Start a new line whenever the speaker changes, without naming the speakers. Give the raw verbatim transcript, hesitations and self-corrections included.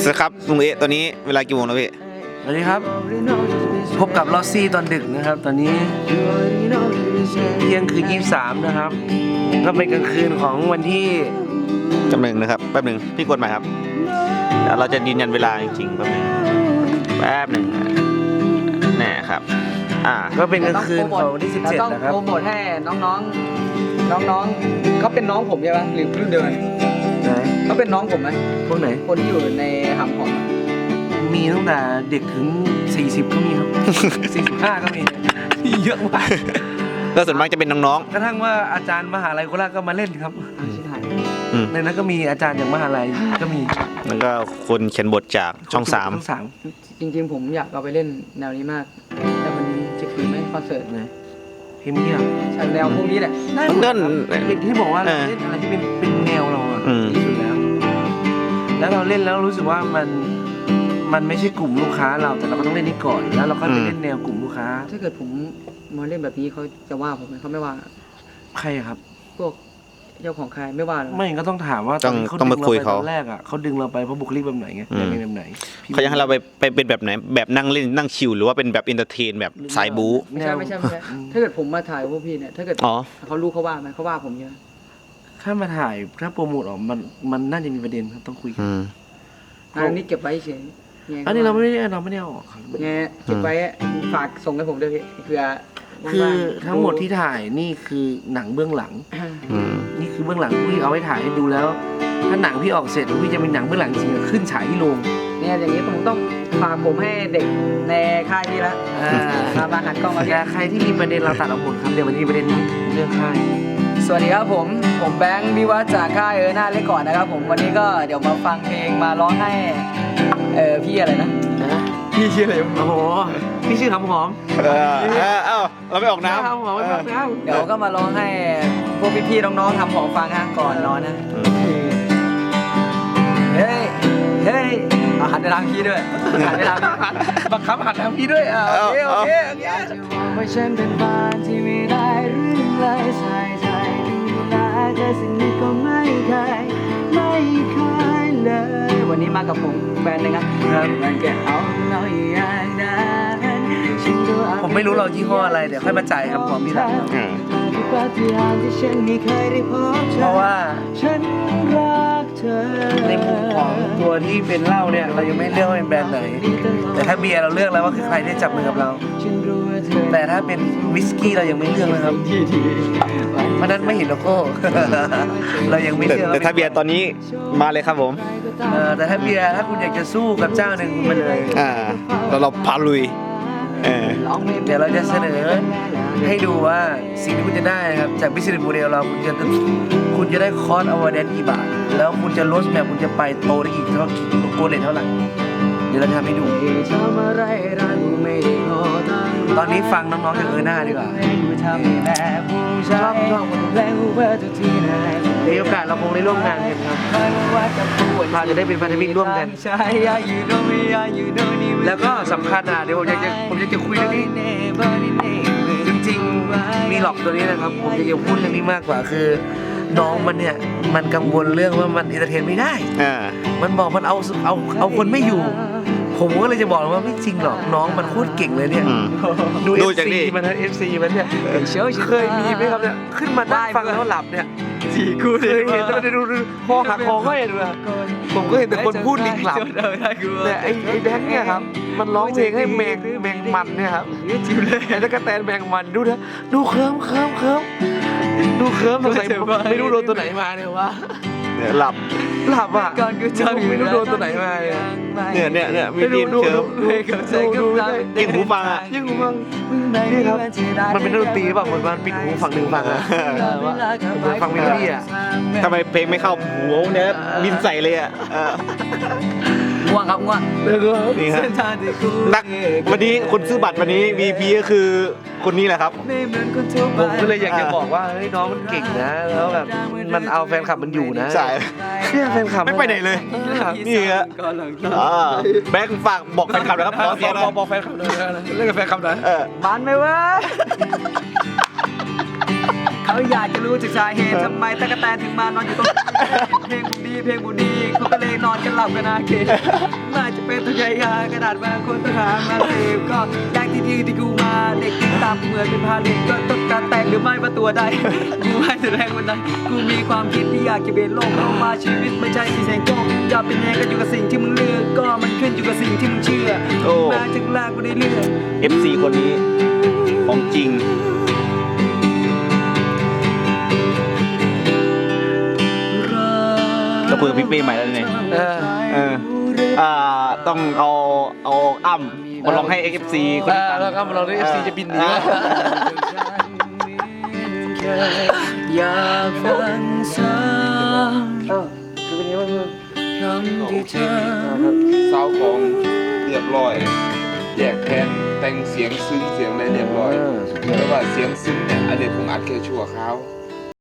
สครับลุงเอะตอนนี้เวลากี่โมงแล้วพี่
สวัสดีครับพบกับลอสซี่ตอนดึกนะครับตอนนี้เที่ยงคืนยี่สิบสามนะครับก็เป็นกลางคืนของวันที่
จำหนึ่งนะครับแป๊บหนึ่งพี่กดใหม่ครับเดี๋ยวเราจะยืนยันเวลาจริงๆแป๊บหนึ่งแป๊บหนึ่งแน่ครับอ่า
ก็เป็นกลางคืนของวันที่สิบเจ็ดนะครับ
โปรโมทให้น้องๆน้องๆเขาเป็นน้องผมใช่ไหมหรือรุ่นเดียวกันเขาเป็นน้องผมไหม
พวกไหน
คนที่อยู่ในหำผม
มีตั้งแต่เด็กถึงสี่สิบก็มีครับ สี่สิบห้าก็มีมีเยอะมาก
แล้วส่วนมากจะเป็นน้อง
ๆกระทั่งว่าอาจารย์มหาลัยโคราชก็มาเล่นครับในนั้นก็มีอาจารย์จากมหาลัยก็มี
แล้วก็คนเขียนบทจากช่องสาม
ช่องสาม
จริงๆผมอยากเอาไปเล่นแนวนี้มากแต่มันจะคือไม่คอนเสิร์ตเลย
เพลงนี้
ใช่แนวพวกนี้แหละ
ได้หมดที่บอกว่าเราเล่นอะไรที่เป็นเป็นแนวเราอะที่สุดแล้วแล้วเราเล่นแล้วรู้สึกว่ามันมันไม่ใช่กลุ่มลูกค้าเราแต่เราก็ต้องเล่นนี้ก่อนแล้วเราก็ไปเล่นแนวกลุ่มลูกค้า
ถ้าเกิดผมมาเล่นแบบนี้เขาจะว่าผมไหมเขาไม่ว่า
ใครครับ
พวกเจ้าของใครไม่ว่า
ไม่ก็ต้องถามว่า
ต้องต้องมาคุยเขา
ตอนแรกอ่ะเขาดึงเราไปเพราะบุคลิกแบบไหนไงแบบไหน
เขาอยากให้เราไปไปเป็นแบบไหนแบบนั่งเล่นนั่งชิลหรือว่าเป็นแบบอินเตอร์เทนแบบสายบู๊
ไม่ใช่ไม่ใช่ไม่ใช่ถ้าเกิดผมมาถ่ายพวกพี่เนี่ยถ้าเกิดเขารู้เขาว่าไหมเขาว่าผมเยอะ
ถ้ามาถ่ายถ้าโปรโมทออกมันมันน่าจะมีประเด็นครับต้องคุยกัน
อันนี้เก็บไว้เฉย
อันนี้เราไม่ได้เราไม่ได้ออก
ไงเก็บไว้ฝากส่งให้ผมด้วยพี่เผื่อ
คือทั้งหมดที่ถ่ายนี่คือหนังเบื้องหลังนี่คือเบื้องหลังพี่เอาไว้ถ่ายให้ดูแล้วถ้าหนังพี่ออกเสร็จพี่จะเป็นหนังเบื้องหลังจริงขึ้นฉายที่โรง
เนี่ยอย่างนี้ผมต้องฝากผมให้เด็กในค่ายพี่ละมามาหันกล้องมา
แต่ใครที่มีประเด็นเราตัดออกหมดครับเดี๋ยววันนี้ประเด็นนี้เรื่องค่าย
สวัสดีครับผมผมแบงค์วิวัฒน์จากค่ายเออหน้าเล็กก่อนนะครับผมวันนี้ก็เดี๋ยวมาฟังเพลงมาร้องให้เออพี่อะไรนะพี่ชื่ออะไร
โอ้โหพี่ชื่อคำหอม
เออเอ้าเราไม่ออกน้ำ
คำหอมไม่ออกน้
ำเดี๋ยวก็มาร้องให้พวกพี่ๆน้องๆทำของฟังฮะก่อนนอนนะเฮ้ยเฮ้ยหันไปทางพี่ด้วยหันไปทางพี่
บังคับหันทางพี่ด้วยอ่ะโอเคโอเค
อยากจะบอกว่าฉันเป็นบ้านที่ไม่ได้เรื่องเลยใส่ใจดูแลแต่สิ่งนี้ก็ไม่เคยไม่เคยเลยวันนี้มากับผมแฟนนะครับมันแกเอาเราอย่างนั้น
ผมไม่รู้เรายี่ห้ออะไรเดี๋ยวค่อยมาจ่ายครับความพี่รักเพราะว่าฉันรักเธอในมุมของตัวที่เป็นเหล้าเนี่ยเรายังไม่เลือกว่าเป็นแบรนด์ไหนแต่ถ้าเบียร์เราเลือกแล้วว่าคือใครที่จับมือกับเราแต่ถ้าเป็นวิสกี้เรายังไม่เลือกนะครับเพราะนั้นไม่เห็นโลโก้เรายังไม่เลือก
แต่ถ้าเบียร์ตอนนี้มาเลยครับผม
แต่ถ้าเบียร์ถ้าคุณอยากจะสู้กับเจ้าหนึ่งมาเลย
อ่าเราเราพาลุย
เดี๋ยวเราจะเสนอให้ดูว่าสิ่งที่คุณจะได้ครับจาก Business Model เราคุณจะคุณจะได้คอร์สอวอร์ดกี่บาทแล้วคุณจะลดแบบคุณจะไปโตได้อีกเท่ากี่โกเลตเท่าไหร่เดี๋ยวเราจะทำให้ดูตอนนี้ฟังน้องๆจากเออหน้าดีกว่าชอบชอบมีโอกาสเราคงได้ร่วมงานกันครับเราจะได้เป็นพันธมิตรร่วมกันแล้วก็สำคัญอ่ะเดี๋ยวผมอยากจะผมอยากจะคุยเรื่องนี้จริงๆมีหลอกตัวนี้นะครับผมอยากจะพูดเรื่องนี้มากกว่าคือน้องมันเนี่ยมันกังวลเรื่องว่ามันเอนเตอร์เทนไม่ได้มันบอกมันเอาเอาเอาคนไม่อยู่ผมก็เลยจะบอกว่าไม่จริงหรอกน้องมันโคตรเก่งเลยเนี่ยดูเอฟซีมันนะเอฟซีมันเนี่ยเคยมีไหมครับเนี่ยขึ้นมาได้ฟังแล้วหลับเนี่ยสี่คู่เคยเห็นแล้วดูคอหักคอก็เห็นด้วยผมก็เห็นแต่คนพูดลิงหลับแต่ไอ้ไอ้แบงค์เนี่ยครับมันร้องเพลงให้แมงแมงมันเนี่ยครับจิ้มเลยแล้วก็แตนแมงมันดูนะดูเคิร์มเคิร์มเคิร์มดูเคิร์มใส่ไม่รู้โดนตัวไหนมาเนี่ยวะ
หลับ
หลับอ่ะไม่รู้โดนตัวไหนมา
เนี่ยเนี่ยเนี่ยมีดินเคิร์ฟ
ดู
ยิงหูฟังอ่ะ
ยิงหูฟังนี่ครับมันเป็นดนตรีแบบเหมือนมันปิดหูฝั่งหนึ่งฝั่งอ่ะฟังเมโลดี้อ่ะ
ทำไมเพลงไม่เข้าหูเนี่ยบินใส่เลยอ่ะ
ง่วงครับง่วง
นี่ครับนักวันนี้คนซื้อบัตรวันนี้ วี พี ก็คือคนนี้แหละครับ
ผมก็เลยอยากจะบอกว่าเฮ้ยน้องมันเก่งนะแล้วแบบมันเอาแฟนคลับมันอยู่นะ
ใช่
เนี่ยแฟนคลับ
ไม่ไปไหนเลยนี่ครับแบงค์ฝากบอกแฟนคลับนะครับขอเสียง
บอกแฟนคลับเลยเรื่องกับแฟนคลับหน่อย
บ้านไหมวะขเขาอยากจะรู้ถึงสาเหตุทำไมตะกะแตนถึงมานอนอยู่ตรงนี้เพลงบุดีเพลงบุดีเขาก็เลยนอนกันหลับกันนาเกน่าจะเป็นตัวยายากระดาษบางคนต้องหามาเสพก็แยกที่ที่ที่กูมาเด็กที่ตามเหมือนเป็นพาเด็กก็ต้องการแต่งหรือไม่ว่าตัวใดกูให้แต่แรงวันนั้นกูมีความคิดที่อยากจะเปลี่ยนโลกเข้ามาชีวิตไม่ใช่ที่แสงโก้จะเป็นยังไงก็อยู่กับสิ่งที่มึงเลือกก็มันขึ้นอยู่กับสิ่งที่มึงเชื่อ
โอ้
มาจากแรกกูได้เลือก
เอฟ ซี คนนี้ของจริงก็คุยกับพี่เป้ใหม่แล้วเนี่ย
เออ
เอออ่าต้องเอาเอาอ้ำมาลองให้ เอฟ ซี คน
เอ
นี้
อ
ฟัง
แล้วก็เราได้เอฟซีจะบินหนี
อ่า
อยากฟังซ้ำ
เออคือเป็นยังไงบ้าง
คำที่เธอ
เศร้าของเรียบร้อย แยกแผ่นแต่งเสียงซึ้งเสียงอะไรเรียบร้อยแต่ว่าเสียงซึ้งเนี่ยอันนี้ผมอัดแค่ชั่วคราว